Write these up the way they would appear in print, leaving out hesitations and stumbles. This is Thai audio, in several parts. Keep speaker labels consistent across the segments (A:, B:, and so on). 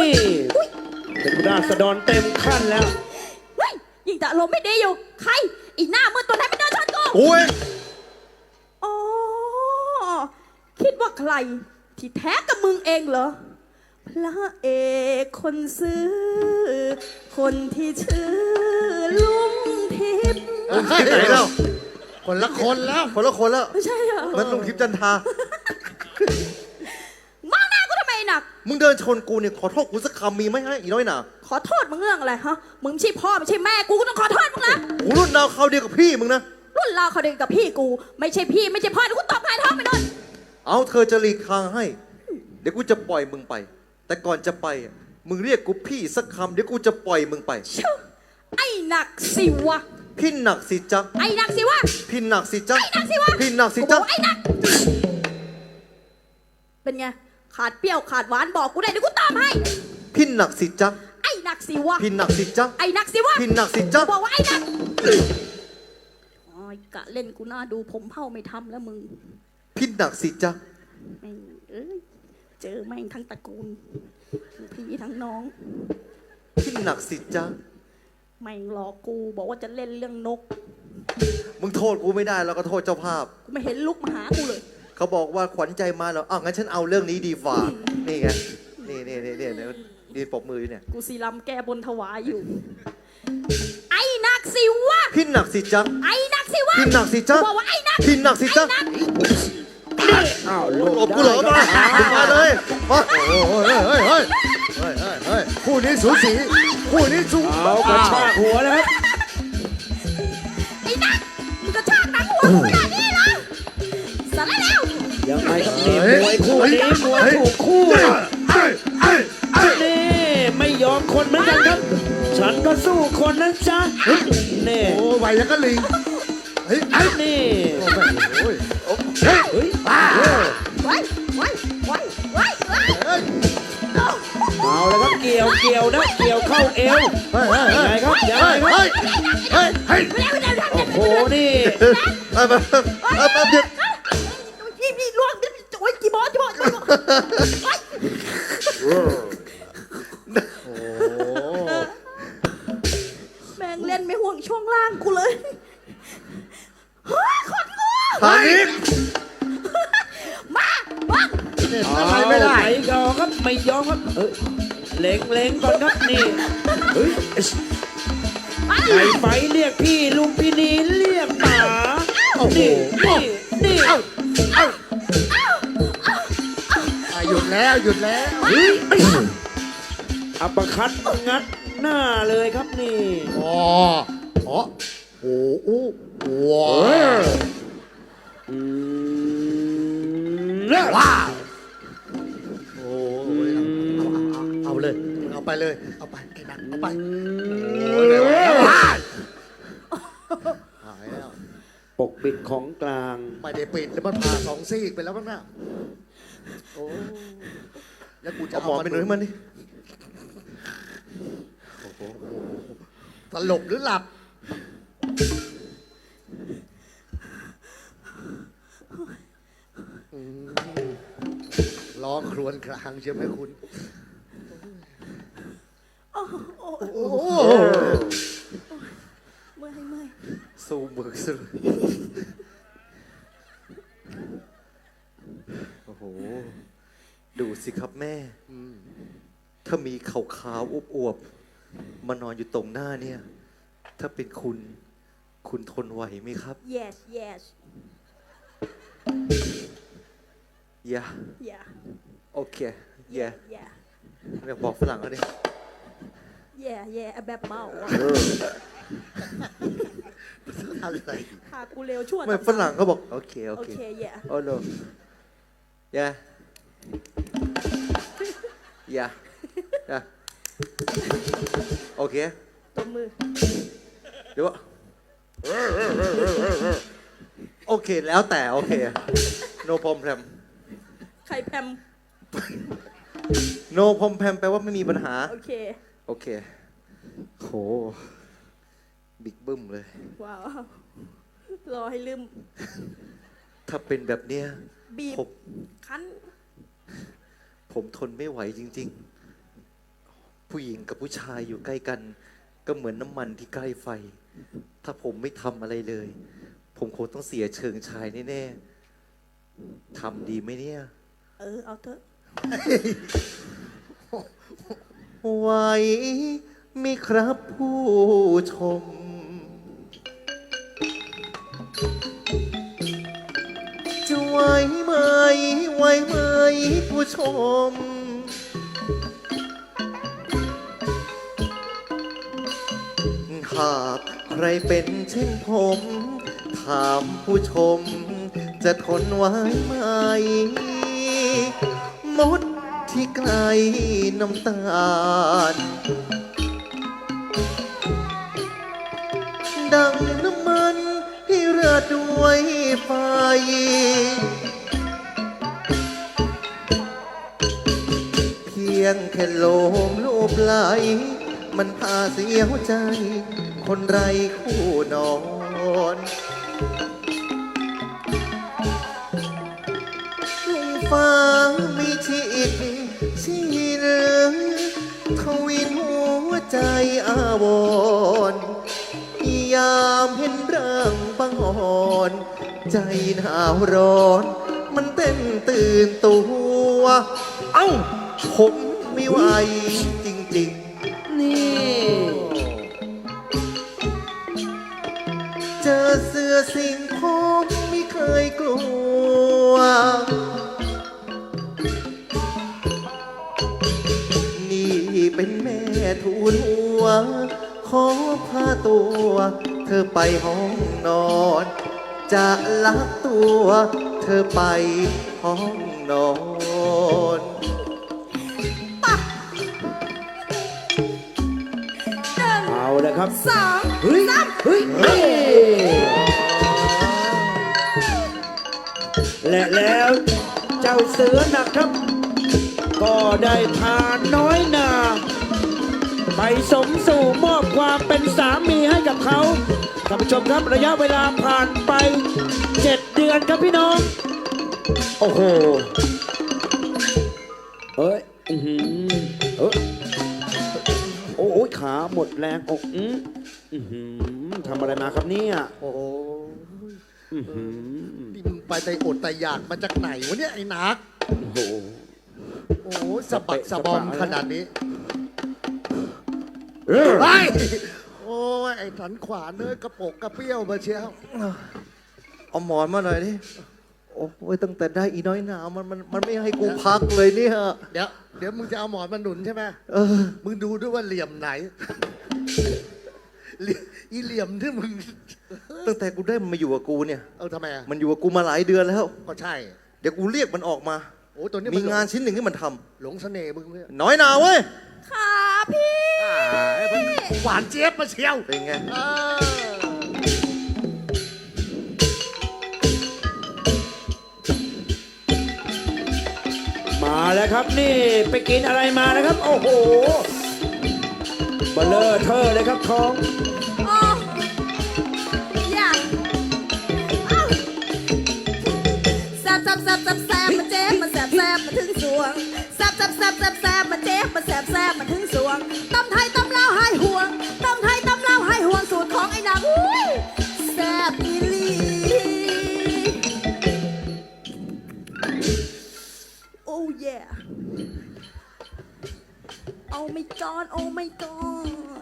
A: นี่เป็นราษฎรเต็มขั้นแล้ว
B: เฮ้ยยิ่งแต่อารมณ์ไม่ดีอยู่ใครอีหน้ามืดตัวไหนไม่เดินชนกู
C: โอ้ย
B: อ๋อคิดว่าใครที่แท้กับมึงเองเหรอพระเอกคนซื้อคนที่ชื่อลุงทิพย์
C: ที่ไหนแล้ว
D: คนละคนแล้ว
C: คนละคนแล้ว
B: ไม่ใช่เหรอ
C: มันลุงทิพย์จันทรา
B: มองหน้ากูทำไมหนัก
C: มึงเดินชนกูเนี่ยขอโทษกูสักคำมีไหมฮะอีน้อยหนา
B: ขอโทษมึงเรื่องอะไรฮะมึงไม่ใช่พ่อไม่ใช่แม่กูก็ต้องขอโทษมึงนะ
C: กูรุ่นดาวเขาวเดียวกับพี่มึงนะ
B: รุ่นเราเขาเด็กกับพี่กู ไม่ใช่พี่ไม่ใช่พ่อเดี๋ยวกูตบหงายท้องไปโดน
C: เอาเธอจะหลีกทางให้ เดี๋ยวกูจะปล่อยมึงไป แต่ก่อนจะไปอะมึงเรียกกูพี่สักคำเดี๋ยวกูจะปล่อยมึงไป
B: ชื่อไอ้หนักสิวะ
C: พี่หนักสิจ๊ะ
B: ไอ้หนักสิวะ
C: พี่หนักสิจ๊ะ
B: ไอ้หนักสิวะ
C: พี่หนักสิ
B: กูบ
C: จ๊ะ
B: อกไอ้หนักเป็นไงขาดเปรี้ยวขาดหวานบอกกูได้เดี๋ยวกูตามให้
C: พี่หนักสิจ๊ะ
B: ไอ้หนักสิวะ
C: พี่หนักสิจ๊ะ
B: ไอ้หนักสิวะ
C: พี่หนักสิจ๊ะ
B: บอกว่าไอ้หนักโอ้ยกะเล่นกูน่าดูผมเผ่าไม่ทำแล้วมึง
C: พี่หนักสิจ๊ะ
B: แม่งเอ้ยเจอแม่งทั้งตระกูลทั้งพี่ทั้งน้อง
C: พี่หนักสิจ๊ะ
B: แม่งหลอกกูบอกว่าจะเล่นเรื่องนก
C: มึงโทษกูไม่ได้แล้วก็โทษเจ้าภาพ
B: กูไม่เห็นลุกมาหากูเลย
C: เขาบอกว่าขวัญใจมาแล้วอ้าวงั้นฉันเอาเรื่องนี้ดีฝ่านี่ไงนี่ดีปรบมืออยู่เนี่ย
B: กูสีลำแก้บนถวายอยู่ ไอ้นักสิวะ
C: พี่หนักสิจ๊ะ
B: ไอ้นักสิวะ
C: พี่หนักสิจ๊ะ
B: บอกว่าไอ้นัก
C: พี่หนักสิจ๊ะ
B: ไอ้นัก
A: อ้าว
C: หลบกูเหรอมามึงมาเลยมา
D: โอ้ยเฮ้ยเฮ้ยเฮ้ยคู่นี้สูสีคู่นี้สู
A: เอากระชากหัวนะครับ
B: ไอ้นักมึงกระชากหนังหัวกูขนาดนี้เหรอสารแล้ว
A: ยังไงครับนี่มวยคู่นี้มวยถูกคู่นี่ไม่ยอมคนเหมือนกันครับ ฉันก็สู้คนนะจ๊ะนี่
D: โอ้ไวแล้วก็ลิงเฮ้ย
A: นี่
D: โอ้ย
A: เฮ้ย
B: ไว้ไว้ไว้ไว้ไว้
D: เฮ้ย
A: เอาแล้วครับเกี่ยวนะเกี่ยวเข้าเอว
D: เฮ้ย
A: ยังไงครับยังไงครับ
D: เฮ้ยเฮ้ยเฮ้ย
A: โอ้โหนี่
C: ไปเดี๋ยว
B: พี่ล่วงโอ้ยกี่บอสแม่งเล่นไม่ห่วงช่วงล่างกูเลยเฮ้ยคนกู
C: ทางนี้
B: มาบ้าง
D: เนี่ยอะไรไม่ได้
A: ไหนก็ครับไม่ยอมครับเล็งก่อนครับนี่เฮ้ยไอ้ไฟเรียกพี่ลุงพี่นีเรียกป๋านี่
D: หยุดแล้วหยุดแล้ว
A: เฮ้ยอัปคัดงัดหน้าเลยครับนี่
D: อ๋ออ๋อโอ้โหว้าวว้าวโอ้ยเอาเลยเอาไปเลยเอาไปไอ้นักเอาไปโอ้ยเดี๋ยวหายแล้ว
A: ปกปิดของกลาง
D: ไม่ได้ปิดแล้วมันผ่าสองซี่ไปแล้วบ้างนะโอ้แล้วกูจะ
C: เอาหมอนไปหนุนให้มันดิ
D: สลบหรือหลับร้องครวญครางใช่ไหมคุณโอ้โห
B: เมื่อย
C: สู้มือสู้โอ้โหดูสิครับแม่ ถ้ามีขาวๆอวบๆมานอนอยู่ตรงหน้าเนี่ย ถ้าเป็นคุณทนไหวไหมครับ
B: yes yes
C: อย่า
B: yeah
C: โอเคอย่า
B: yeah
C: อยากบอกฝรั่งเขาดิ
B: yeah yeah แบบเมาอะ
D: อะไร
B: พากูเร็วชั่ว
C: ไม่ฝรั่งเขาบอกโอเคโอ
B: โอ
C: เค
B: เค yeah
C: โอ้โหอย่าอย่าโอเค
B: ตัวมือ
C: เดี๋ยวโอเคแล้วแต่โอเค no problem
B: ใครแพม
C: no problem แปลว่าไม่มีปัญหา
B: โอเค
C: โอเคโหบิ๊กบึ้มเลย
B: ว้าว รอให้ลืม
C: ถ้าเป็นแบบเนี้ย
B: บีบ
C: ผม
B: คั้น
C: ผมทนไม่ไหวจริงผู้หญิงกับผู้ชายอยู่ใกล้กัน ก็เหมือนน้ำมันที่ใกล้ไฟ ถ้าผมไม่ทำอะไรเลย ผมคงต้องเสียเชิงชายแน่ๆทำดีไหมเนี่ย
B: เอาเถอะ
C: ไหวมิครับผู้ชม จะไหวไหมไหวไหมผู้ชม หากใครเป็นเช่นผม ถามผู้ชม จะทนไหวไหม มดที่ไกลน้ำตาล ดังน้ำมันที่เรือดด้วยไฟ เพียงแค่โลมลูบไหล มันพาเสียวใจ คนไรคู่นอนทุ่งฟ้ามีชีอีกชีเหลืองทวินหัวใจอาวรณ์ยามเห็นร่างบังอ่อน ใจหนาวร้อน มันเต้นตื่นตัว เอ้า ผมไม่ไหวจริง
A: นี่
C: ๆ เจอเสือสิงผมไม่เคยกลัว นี่เป็นแม่ทูลหัว ขอพาตัว เธอไปห้องนอน จะลักตัว เธอไปห้องนอน
A: เอาเลยครับ
B: 2
A: เฮ้ย เฮ้ยและแล้วเจ้าเสือนะครับ ก็ได้พาน้อยนา ไปสมสู่มอบความเป็นสามีให้กับเขาท่านผู้ชมครับระยะเวลาผ่านไป 7 เดือนครับพี่น้อง โอ้โหเอ้ยโอ้ยขาหมดแรงอกทำอะไรมาครับเนี่ย
D: โอ้โหนี่มึงไปใจอดใจอยากมาจากไหนวะเนี่ยไอ้นัก
A: โอ้โห
D: โอ้โหสะบักสะบอมขนาดนี้
A: เออ
D: ไปโอ้ยไอ้สันขวานเนื้อกระปกกระเปี้ยวมาเชียว
C: เอาหมอนมาหน่อยดิ โอ้ยตั้งแต่ได้อีน้อยหนามันไม่ให้กูพักเลยเนี่ย
D: เดี๋ยวมึงจะเอาหมอนมาหนุนใช่ไหม
C: เออ
D: มึงดูด้วยว่าเหลี่ยมไหนอีเหลี่ยมที่มึง
C: ตั้งแต่กูได้มันมาอยู่กับกูเนี่ย
D: ทำไมอ่ะ
C: มันอยู่กับกูมาหลายเดือนแล้ว
D: ก็ใช่
C: เดี๋ยวกูเรียกมันออกมา
D: โอ้ตัวนี้
C: มีงานชิ้นหนึ่งที่มันทำ
D: หลงเสน่ห์มึงเนี่ย
C: น้อยหนาเว้ย
B: ค่ะพี่
D: หวานเจี๊ยบมาเชียว
C: เป็นไง
A: มาแล้วครับนี่ไปกินอะไรมานะครับ โอ้โหเบลเลอร์เทอร์เลยครับท้อง
B: โอ้อย่าเอ้าแซบมาเจ็บมาแซบมาถึงสวงแซบมาเจ็บมาแซบมาถึงสวงตำไทยตำลาวหายห่วงตำไทยตำลาวหายห่วงสูตรของไอ้นางอุ้ยแซบอีหลีโอ้ย โอ้ไม่กอนโอ้ไม่กอน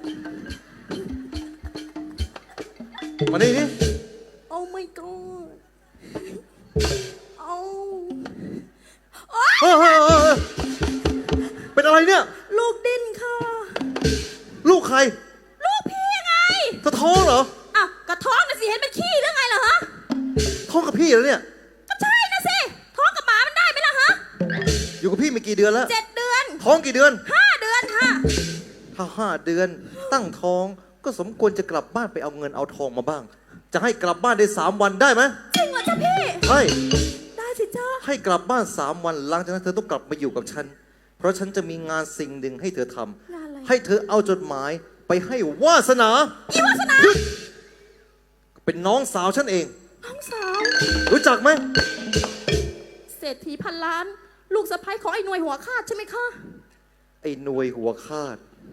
C: มานี่ดิ
B: โอ้ไม่กอนโอ้
C: เฮ้ยเป็นอะไรเนี่ย
B: ลูกดิ้นค่ะ
C: ลูกใคร
B: ลูกพี่ไง
C: เธอท้องเหรอ
B: อ่ะกระท้องนะสิเห็นเป็นขี้หรือไงเหรอฮะ
C: ท้องกับพี่แล้วเนี่ย
B: ก็ใช่นะสิท้องกับหมามันได้ไหมล่ะฮะ
C: อยู่กับพี่มากี่เดือนแล้ว
B: 7 เดือน
C: ท้องกี่เดือน
B: 5 เดือนค่ะ
C: ถ้า5 เดือนตั้งท้องก็สมควรจะกลับบ้านไปเอาเงินเอาทองมาบ้าง จะให้กลับบ้านได้3 วันได้ไหม
B: จริงเหรอจ๊ะพี่
C: ใช่
B: ได้สิจ้า
C: ให้กลับบ้าน3 วันหลังจากนั้นเธอต้องกลับมาอยู่กับฉัน เพราะฉันจะมีงานสิ่งหนึ่งให้เธอทำ
B: งานอะไร
C: ให้เธอเอาจดหมายไปให้วาสนา
B: อีวาสนา
C: หยุดเป็นน้องสาวฉันเอง
B: น้องสาว
C: รู้จักไหม
B: เศรษฐีพันล้าน ลูกสะใภ้ของไอ้หน่วยหัวขาดใช่ไหมคะ
C: ไอ้หน่วยหัวคาด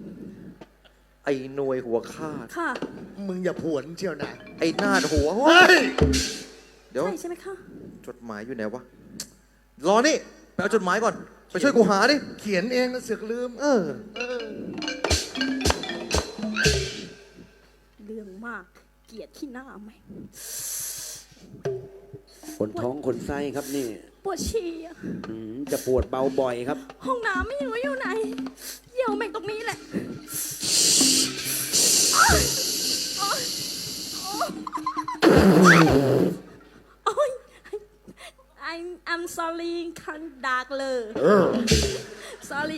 C: ไอ้หน่วยหัวคาด
B: ค่ะ
D: มึงอย่าผวนเชียวนะ
C: ไอ้นาดหัว
D: เฮ้ย
C: เดี๋ยว
B: ใช่ใช่ไหมคะ
C: จดหมายอยู่ไหนวะ รอนี่ไปเอาจดหมายก่อน ไปช่วยกูหาดิ
D: เขียนเองนะเสือกลืม
C: เออ
B: เรื่องมาก เกลียดที่หน้าไหม
A: คนท้องคนไส้ครับนี่
B: ปวดฉี่อะ
A: จะปวดเบาบ่อยครับ
B: ห้องน้ำไม่รู้อยู่ไหนเยี่ยวแม่งตรงนี้แหละโอ๊ยโอ๊ยโอ๊ย I'm sorry คันดากเลย sorry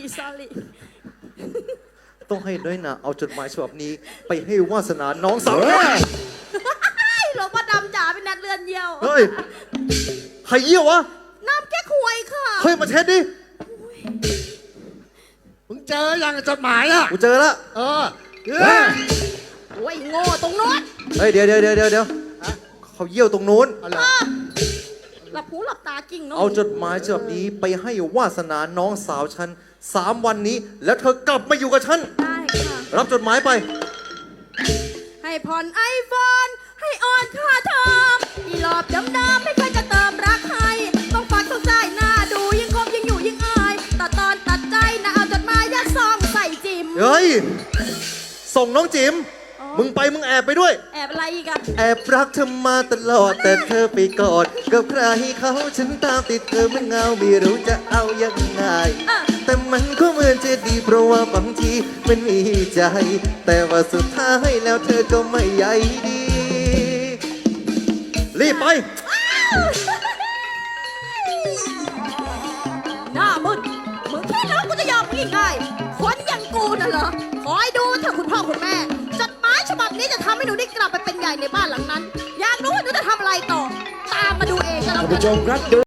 C: ต้องให้น้อยหนาเอาจดหมายฉบับนี้ ไปให้วาสนาน้องสาว
B: หลวงพ่อดำจ๋าเป็นนัดเลือนเยี่ยว
C: เฮ้ย ใครเยี่ยววะ
B: น้ำแก้ควยค่ะ
C: เฮ้ย มาเช็ดดิ
D: มึงเจอยังจดหมายอ่ะ
C: กูเจอแล้ว
D: เออ
B: โอ้ยโง่ตรงโน้น
C: เฮ้ย เดี๋ยวเขาเยี่ยวตรงนู้น
D: เอาเหรอ
B: หลับหูหลับตากิ่งเนาะ
C: เอาจดหมายฉบับนี้ไปให้วาสนาน้องสาวฉัน3 วันนี้ แล้วเธอกลับมาอยู่กับฉัน
B: ได้ค่ะ
C: รับจดหมายไป
B: ให้ผ่อนไอโฟนให้ออนค่าเทอมอีหลอบดำๆไม่เคยจะเติมรักให้ต้องฟังต้องใจหน้าดูยิ่งคบยิ่งอยู่ยิ่งอายตัดตอนตัดใจนะเอาจดหมายยัดซองใส่จิม
C: เฮ้ย ส่งน้องจิ๋ม
B: อ๋อ
C: มึงไปมึงแอบไปด้วย
B: แอบอะไรอีกอะ
C: แอบรักเธอมาตลอด แต่เธอไปกอดกับใครเขาฉันตามติดเธอเหมันเงาไม่รู้จะเอายังไง แต่มันก็เหมือนจะดีเพราะว่าบางทีมันมีใจ แต่ว่าสุดท้ายแล้วเธอก็ไม่ใยดี รีบไป
B: หน้ามึนมึงคิดแล้วกูจะยอมมึงง่ายๆคนอย่างกูน่ะเหรอคอยดูเถอะคุณพ่อคุณแม่จดหมายฉบับนี้จะทำให้หนูได้กลับไปเป็นใหญ่ในบ้านหลังนั้น อยากรู้ว่าหนูจะทำอะไรต่อ ตามมาดูเองก็แล้ว
A: ท่าน
B: กั
A: ผู้
B: น
A: ชมครับ